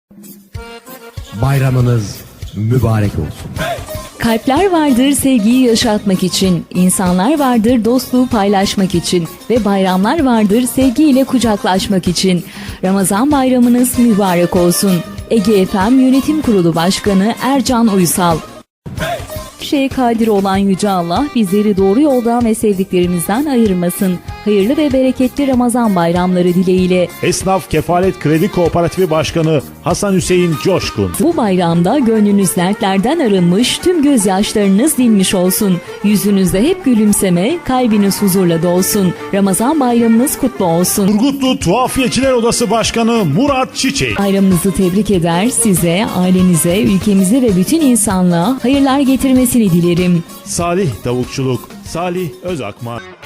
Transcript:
Bayramınız mübarek olsun. Kalpler vardır sevgiyi yaşatmak için, insanlar vardır dostluğu paylaşmak için ve bayramlar vardır sevgiyle kucaklaşmak için. Ramazan bayramınız mübarek olsun. Ege FM Yönetim Kurulu Başkanı Ercan Uysal. Şeye kadir olan Yüce Allah bizleri doğru yoldan ve sevdiklerimizden ayırmasın. Hayırlı ve bereketli Ramazan bayramları dileğiyle. Esnaf Kefalet Kredi Kooperatifi Başkanı Hasan Hüseyin Coşkun. Bu bayramda gönlünüz dertlerden arınmış, tüm gözyaşlarınız dinmiş olsun. Yüzünüzde hep gülümseme, kalbiniz huzurla dolsun. Ramazan bayramınız kutlu olsun. Turgutlu Tuhafiyeciler Odası Başkanı Murat Çiçek. Bayramınızı tebrik eder, size, ailenize, ülkemize ve bütün insanlığa hayırlar getirmesini dilerim. Salih Tavukçuluk, Salih Özakman.